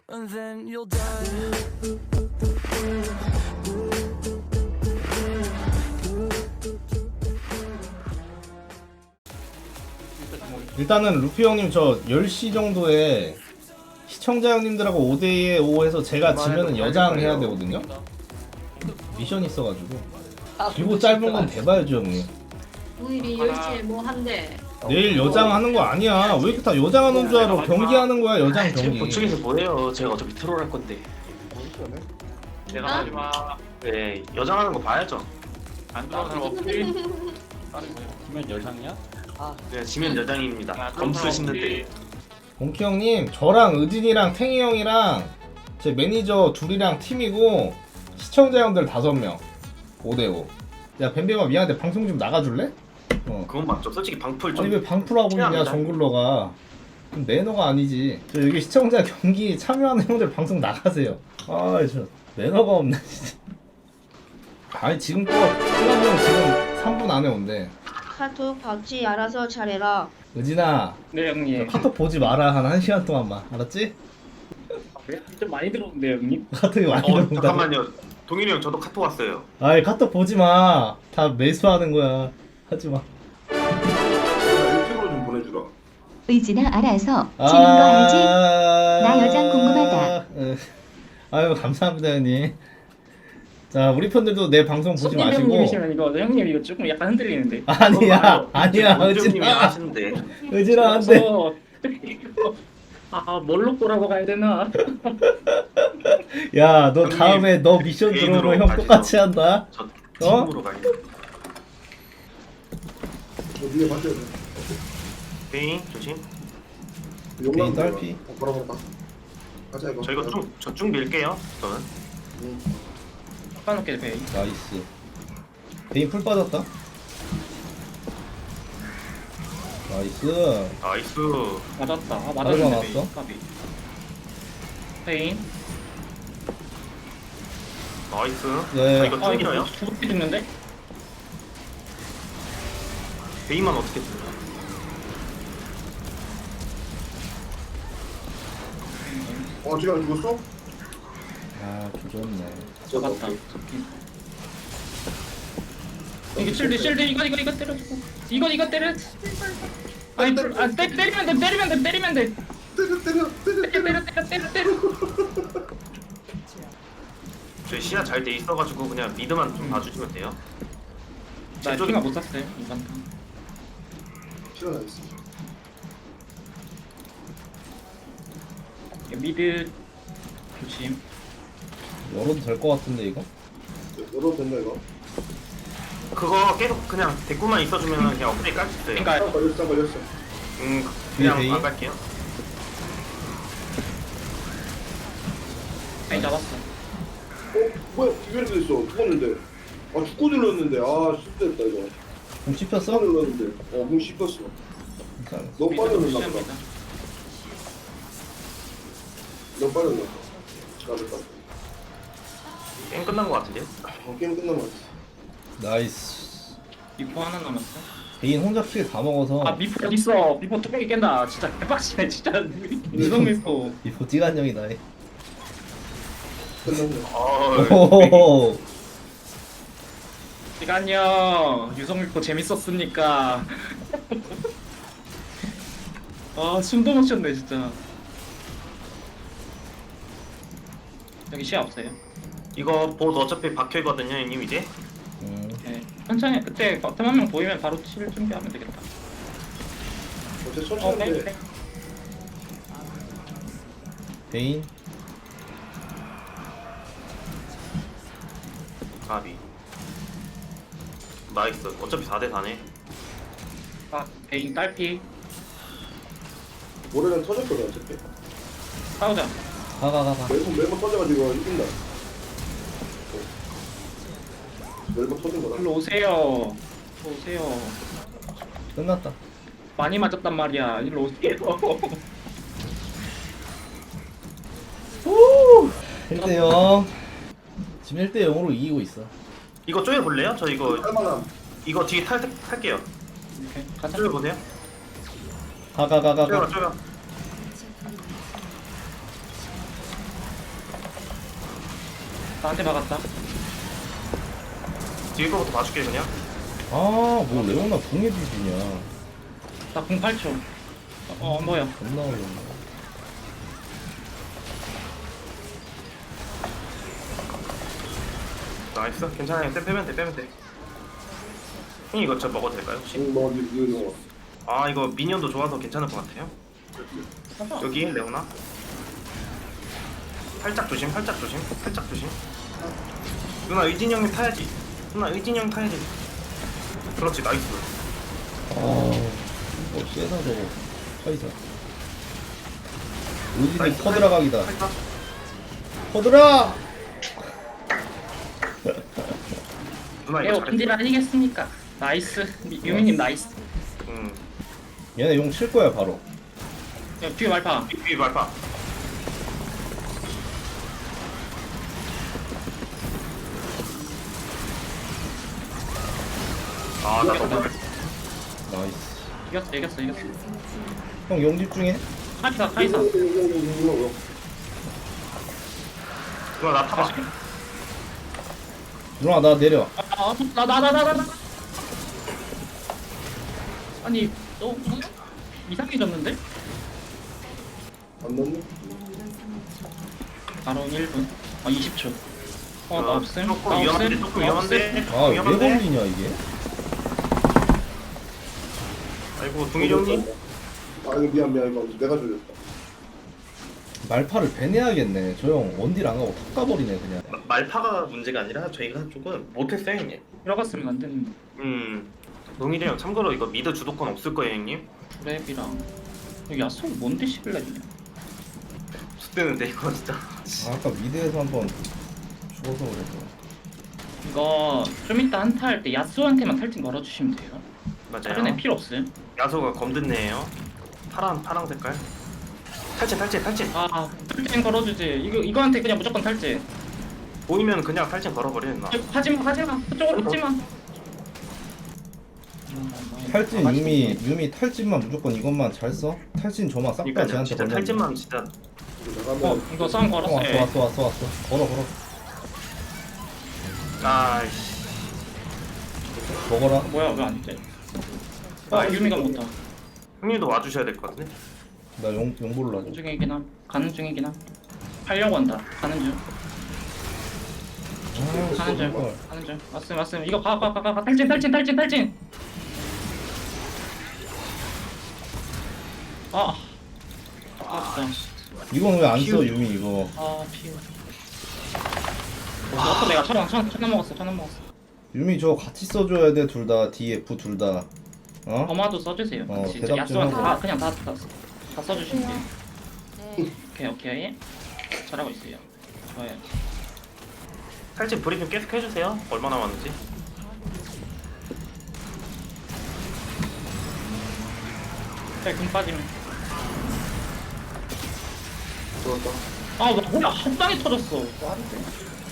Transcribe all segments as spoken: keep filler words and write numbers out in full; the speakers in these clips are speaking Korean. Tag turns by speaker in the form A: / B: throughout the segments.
A: and then you'll die.
B: 일단은 루피 형님 저 열 시 정도에 시청자 형님들하고 오 대 오 해서 제가 지면은 여장 해야 되거든요? 미션이 있어가지고 길고 짧은 건 대봐야죠 형님.
C: 우일이 열 시에 뭐 한대.
B: 내일 여장 하는 거 아니야. 왜 이렇게 다 여장 하는 줄 알아. 경기 하는 거야 여장
D: 지금
B: 경기.
D: 보충해서 뭐해요? 제가 어차피 트롤 할 건데.
E: 내가 하지 마.
D: 네, 여장하는 거 봐야죠.
E: 안 들어온 사람 없지? 지면 열상이야?
D: 네, 지면 여장입니다. 검수 신는데.
B: 공키 형님 저랑 의진이랑 탱이 형이랑 제 매니저 둘이랑 팀이고 시청자 형들 다섯 명 오 대 오. 야 뱀뱀아 미안한데 방송 좀 나가줄래? 어.
D: 그건 맞죠. 솔직히 방풀 좀.
B: 아니 왜 방풀하고 있냐
D: 필요합니다.
B: 정글러가. 좀 매너가 아니지. 저 여기 시청자 경기 참여하는 형들 방송 나가세요. 아 저 매너가 없네 진짜. 아니 지금 또 클럽 형 지금 삼 분 안에 온대.
F: 카톡 박쥐 알아서 잘해라.
B: 의진아
E: 네 형님.
B: 카톡 보지 마라 한 1 시간 동안만 알았지?
E: 좀 많이 들어온데 형님.
B: 카톡이 많이
D: 어,
B: 들어온다.
D: 잠깐만요. 동일이 형 저도 카톡 왔어요.
B: 아이 카톡 보지 마. 다 매수하는 거야. 하지 마.
G: 유튜브로 좀 보내주라.
H: 의진아 알아서 지는 거 알지?
B: 아...
H: 나 여장 궁금하다.
B: 에. 아유 감사합니다 형님. 자 우리 편들도 내 방송 보지
E: 손님
B: 마시고.
E: 형님이시면 이거 형님 이거 조금 약간 흔들리는데.
B: 아니야 아니야
D: 원장님이
B: 의진아
D: 하시는데.
B: 의진아 안돼.
E: 그래서 아 뭘로 꼬라고 가야 되나?
B: 야 너
D: 형님,
B: 다음에 너 미션
D: 개인으로
B: 들어오면 형
D: 가시죠.
B: 똑같이 한다.
D: 저
B: 어?
D: 팀으로 가요.
G: 저 위에 맞춰야 돼.
D: 베인 조심.
B: 개인 딸피.
G: 어, 보라 보라. 가자 이거.
D: 저 이거 쭉 저쭉 밀게요. 저는.
G: 응.
E: 까놓게 배.
B: 나이스. 베인 풀 빠졌다. 나이스.
D: 나이스.
E: 맞았다. 아
B: 바로
E: 맞았는데
B: 나왔어?
E: 베인. 까비. 베인.
D: 나이스.
B: 네.
D: 저 이거
E: 아
D: 쭉 밀어요.
E: 이거 두개 죽는데?
D: 베인만 어떻게 들어요?
G: 어 지금 안 죽었어?
B: 아 조졌네.
E: 잡았다. 이게 실드 실드 이거 이거 이거 때려주고 이거 이거 때려. 아니 불- 아 때, 때리면 돼 때리면 돼 때리면 돼
G: 때려 때려 때려.
E: 때려 때려 때려 때려 때려.
D: 저희 시야 잘 돼 있어가지고 그냥 미드만 좀 봐주시면 돼요.
E: 나
D: 제쪽에-
E: 피가 못 샀어요 이번 판.
G: 시간 안 있어.
E: 미드 조심.
B: 열어도 될 것 같은데 이거?
G: 열어도 된다 이거.
D: 그거 계속 그냥 대꾸만 있어주면 그냥 업데이트 깔 수 있어요.
E: 그러니까
G: 딱 걸렸어 딱 걸렸어.
D: 음
B: 뒤에
D: 그냥
B: 베인?
D: 안 갈게요.
E: 아니 잡았어.
G: 어 뭐야 이게 이렇게 됐어. 죽었는데. 아 죽고 눌렀는데 아 실수했다 이거.
B: 공 씹혔어?
G: 죽고 눌렀는데. 어문 씹혔어.
B: 괜찮아.
G: 너무
E: 미드
G: 빨리 눌렀나
E: 조심합니다.
G: 보다. 너무 빨리 눌렀어. 나도
D: 게임 끝난 것 같은데요?
G: 어 게임 끝난 거 같아.
B: 나이스.
E: 미포 하나 남았어.
B: 베인 혼자 킬 다 먹어서
E: 아 미포 어디 있어? 미포 뚜껑이 깬다. 진짜 대박이네 진짜. 유성 미포.
B: 이거 찌간형이다.
G: 끝났네.
D: 어.
B: 오호호호.
E: 시간요. 유성 미포 재밌었습니까? 아 숨도 못 쉬었네 진짜. 여기 시야 없어요.
D: 이거 봇 어차피 박혀있거든요 형님 이제.
B: 음.
E: 네. 천천히 그때 버튼 한 명 보이면 바로 칠 준비하면 되겠다.
G: 어제
E: 어,
G: 천천히
E: 네,
G: 해.
E: 네.
B: 베인.
D: 가비. 나이스. 어차피 사 대 사네.
E: 아, 베인 딸피.
G: 모래는 터졌거든 어차피.
E: 싸우자.
B: 가가가가.
G: 매번 매번 터져가지고 이긴다. 매번 터진 거다.
E: 일로 오세요. 일로 오세요.
B: 끝났다.
E: 많이 맞았단 말이야. 일로 오세요.
B: 일 대 영. 지금 일 대 영으로 이기고 있어.
D: 이거 쪼여 볼래요? 저 이거
G: 할만함.
D: 이거 뒤에 탈 탈게요.
E: 오케이, 가자.
D: 쪼여 보세요.
B: 가가가가가.
D: 쪼여 쪼여.
E: 나한테 막았다.
D: 뒤에 거부터 봐줄게 그냥.
B: 아뭐 레오나 궁에 비비냐.
E: 나 공 팔 초. 어, 어 뭐야?
B: 겁나 어렵네.
D: 나이스. 괜찮아요. 쌤 빼면 돼 빼면 돼. 형님 이거 저 먹어도 될까요 혹시?
G: 응, 뭐 이거 이거.
D: 아 이거 미니언도 좋아서 괜찮을 것 같아요. 여기 레오나. 살짝 조심 살짝 조심 살짝 조심. 누나 의진이 형님 타야지. 누나 의진이 형 타야지. 그렇지 나이스.
B: 아뭐 세다 저거. 카이사. 의진이
D: 나이스.
B: 퍼드라각이다.
D: 살짝.
B: 퍼드라.
D: 누나
E: 에
D: 이거
E: 오픈딜
D: 잘했어.
E: 아니겠습니까? 나이스. 미- 유미님 나이스.
D: 응.
B: 얘네 용 칠 거야 바로.
E: 야, 뒤에 말파.
D: 삐삐 말파. 아나 너무
B: 나이스.
E: 이겼어, 이겼어, 이겼어.
B: 형 용 집중해.
E: 카이사, 카이사.
G: 이거 이거 이거 이거 이거.
D: 누나 나 타봐.
B: 누나 나 내려.
E: 아, 나, 나, 나, 나, 나, 나. 아니, 너 이상해졌는데?
G: 안 넣네.
E: 바로 일 분. 아, 이십 초. 어, 나
D: 아,
E: 없음.
D: 조금
E: 나
D: 위험한데
E: 없음.
D: 조금
E: 나
D: 위험한데.
E: 없음.
B: 아 왜
D: 위험한데.
B: 걸리냐 이게?
D: 아이고 동일이 형님.
G: 아 이거 미안 미안 이거 내가 조졌다.
B: 말파를 배내야겠네. 저 형 원딜 안 가고 탑 가버리네 그냥.
D: 마- 말파가 문제가 아니라 저희가 조금 못했어요 형님.
E: 들어갔으면 안 되는데.
D: 음. 동일이 형 참고로 이거 미드 주도권 없을 거예요 형님.
E: 랩이랑. 여기 야수 뭔데 시빌라이냐?
D: 죽대는데 이거 진짜.
B: 아, 아까 미드에서 한번 죽어서 그랬어.
E: 이거 좀 이따 한타 할 때 야수한테만 탈진 걸어주시면 돼요. 다른 애
D: 맞아요.
E: 필요 없음.
D: 야소가 검듣네요. 파란 파랑 색깔. 탈진 탈진 탈진.
E: 아, 탈진 걸어주지. 이거 이거한테 그냥 무조건 탈진.
D: 보이면 그냥 탈진 걸어버려 나.
E: 하지마, 하지마. 그쪽으로 하지마.
B: 탈진 유미 유미 탈진만 무조건 이것만 잘 써. 탈진 저만 싹 다
D: 그러니까
B: 쟤한테
D: 진짜
B: 걸려.
D: 탈진만 진짜.
G: 이거
E: 어,
G: 나가면
E: 이거 싸움 걸었어.
B: 왔어
E: 예.
B: 왔어 왔어 왔어. 걸어 걸어.
D: 아이씨.
B: 먹어라.
E: 뭐야, 왜 안 돼? 아, 유미가 못다.
D: 형님도 와주셔야 될 것 같은데.
B: 나용 용보를
E: 가는
B: 놔줘.
E: 중이긴 함. 가는 중이긴 함. 하려고 한다. 가는 중.
B: 아,
E: 가는 중.
B: 헐.
E: 가는 중. 왔음, 왔음. 이거 가, 가, 가, 가. 탈진, 탈진, 탈진, 탈진. 아, 아깝다.
B: 이건 왜 안 써 유미 이거?
E: 아, 피우. 아까 내가 천원, 천, 천원 먹었어, 천원 먹었어.
B: 유미 저 같이 써줘야 돼 둘 다 D F 둘 다. 어?
E: 범화도 써주세요.
B: 어,
E: 진짜
B: 대답 좀
E: 야수한테
B: 하고.
E: 다 그냥 다, 다, 다 써주시면 돼요. 오케이, 오케이. 잘하고 있어요. 좋아요.
D: 탈진 브리핑 계속 해주세요. 얼마 남았는지.
E: 네, 금 빠지면.
G: 좋았다.
E: 아, 나 뭐야, 한 방에 터졌어. 뭐 하는 거야?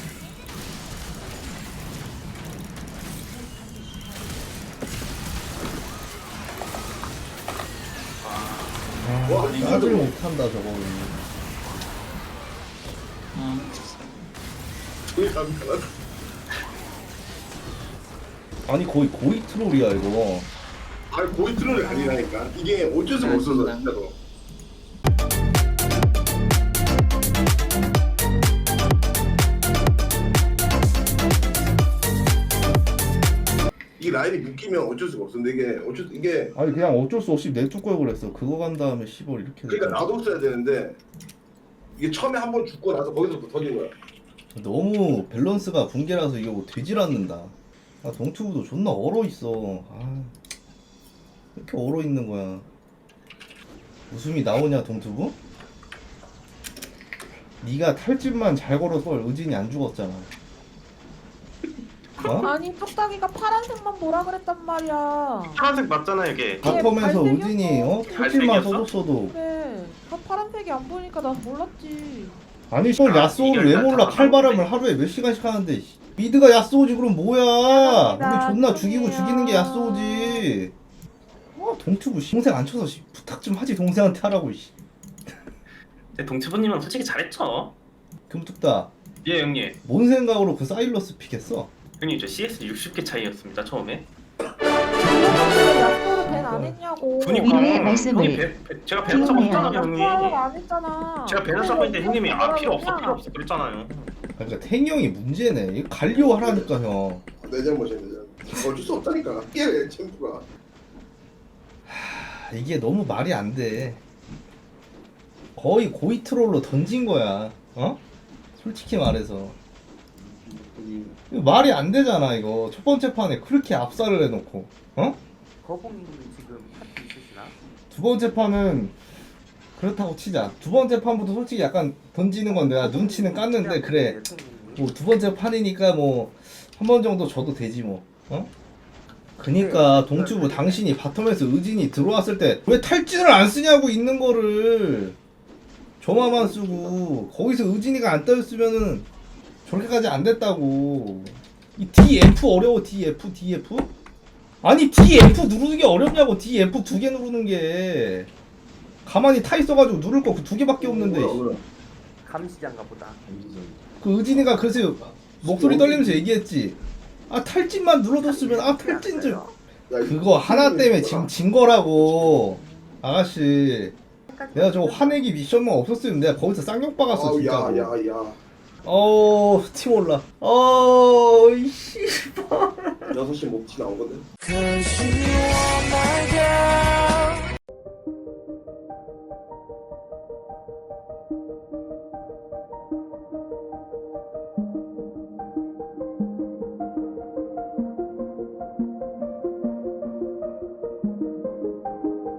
B: 아,
G: 와,
B: 짜질 못한다 저거.
E: 아,
G: 우리 간편하다.
B: 아니 거의 고이 트롤이야 이거.
G: 아 고이 트롤이 아니라니까. 이게 어쩔 수가 없어서 진짜로. 이 라인이 묶이면 어쩔 수가 없어. 근데 이게 어쩔 수- 이게
B: 아니 그냥 어쩔 수 없이 내쫓 걸 그랬어. 그거 간 다음에 시벌 이렇게.
G: 그러니까
B: 됐잖아.
G: 나도 써야 되는데 이게 처음에 한 번 죽고 나서 거기서부터 터진 거야.
B: 너무 밸런스가 붕괴라서 이게 뭐 되질 않는다. 아 동투부도 존나 얼어 있어. 아 왜 이렇게 얼어 있는 거야. 웃음이 나오냐 동투부? 네가 탈진만 잘 걸어서 의진이 안 죽었잖아. 어?
I: 아니 턱다기가 파란색만 보라 그랬단 말이야.
D: 파란색 맞잖아 이게.
B: 바텀에서
I: 발색이었어.
B: 의진이 어? 탈진만
D: 발색이었어?
B: 써줬어도
I: 그래. 다 파란색이 안 보니까 난 몰랐지.
B: 아니 저
D: 아,
B: 야쏘를 왜
D: 이걸
B: 몰라.
D: 다
B: 칼바람을 하루에 몇 시간씩 하는데 씨. 미드가 야쏘지 그럼 뭐야.
I: 미안합니다.
B: 우리 존나 죽이고
I: 죄송해요.
B: 죽이는 게 야쏘지. 어 동투부 씨. 동생 안 쳐서 씨. 부탁 좀 하지 동생한테 하라고 씨.
D: 근데 동치부님은 솔직히 잘했죠.
B: 금툭다
D: 예 형님.
B: 뭔 생각으로 그 사일러스 픽했어?
D: 형님 저 씨에스 육십 개 차이였습니다 처음에.
I: 야스토로 밴안 했냐고.
D: 그니까
H: 위로의 말씀을
D: 형님 배, 배, 제가 배너 잡고
H: 기억해요.
D: 있잖아요 형님.
I: 야스토로 안 했잖아.
D: 제가 배너 잡고 있는데 형님이 아 필요 없어 필요 없어 그랬잖아요.
B: 그러니까 탱이 형이 문제네. 이거 갈리오 하라니까 형.
G: 내 잘못이야 내 잘못. 어쩔 수 없다니까. 깨 챔프가.
B: 하, 이게 너무 말이 안 돼. 거의 고이 트롤로 던진 거야. 어? 솔직히 말해서. 이거 말이 안 되잖아 이거. 첫 번째 판에 그렇게 압살을 해놓고. 어?
J: 거봉이님 지금 파트 있으시나?
B: 두 번째 판은 그렇다고 치자. 두 번째 판부터 솔직히 약간 던지는 건 내가 눈치는 깠는데 그래. 뭐 두 번째 판이니까 뭐 한 번 정도 줘도 되지 뭐. 어? 그니까 동주부 당신이 바텀에서 의진이 들어왔을 때 왜 탈진을 안 쓰냐고 있는 거를 조마만 쓰고 거기서 의진이가 안 떠있으면은 저렇게까지 안 됐다고. 이 디에프 어려워. 디에프 디에프? 아니 디에프 누르는 게 어렵냐고. 디에프 두 개 누르는 게 가만히 타 있어가지고 누를 거 그 두 개밖에 없는데.
J: 감시장가 보다.
B: 그 의진이가 그래서 목소리 떨리면서 얘기했지. 아 탈진만 눌러줬으면 아 탈진 좀. 그거 하나 때문에 지금 진 거라고 아가씨. 내가 저거 화내기 미션만 없었으면 내가 거기서 쌍욕 박았어
G: 아우
B: 진짜로.
G: 야야야.
B: 어우 팀 올라. 어이 씨발.
G: 여섯 시 목치 나오거든.
A: Cause you are my girl.